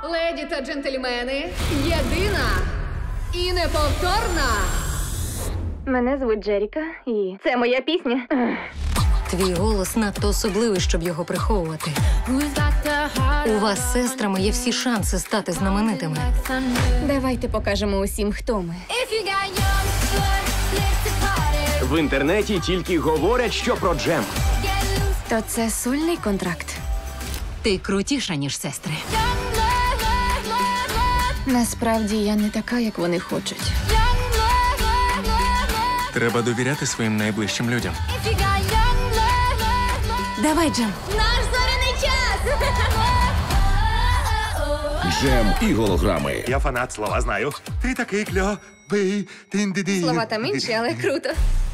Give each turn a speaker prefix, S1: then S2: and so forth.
S1: Леді та джентльмени, єдина і неповторна.
S2: Мене звуть Джеріка, і це моя пісня.
S3: Твій голос надто особливий, щоб його приховувати. У вас з сестрами є всі шанси стати знаменитими.
S2: Давайте покажемо усім, хто ми.
S4: В інтернеті тільки говорять, що про Джем.
S2: То це сольний контракт.
S3: Ти крутіша, ніж сестри.
S2: Насправді я не така, як вони хочуть.
S5: Треба довіряти своїм найближчим людям.
S3: Давай, Джем.
S2: Наш зоряний час!
S6: Джем і голограми.
S5: Я фанат, слова знаю. Ти такий кльовий.
S2: Слова там інші, але круто.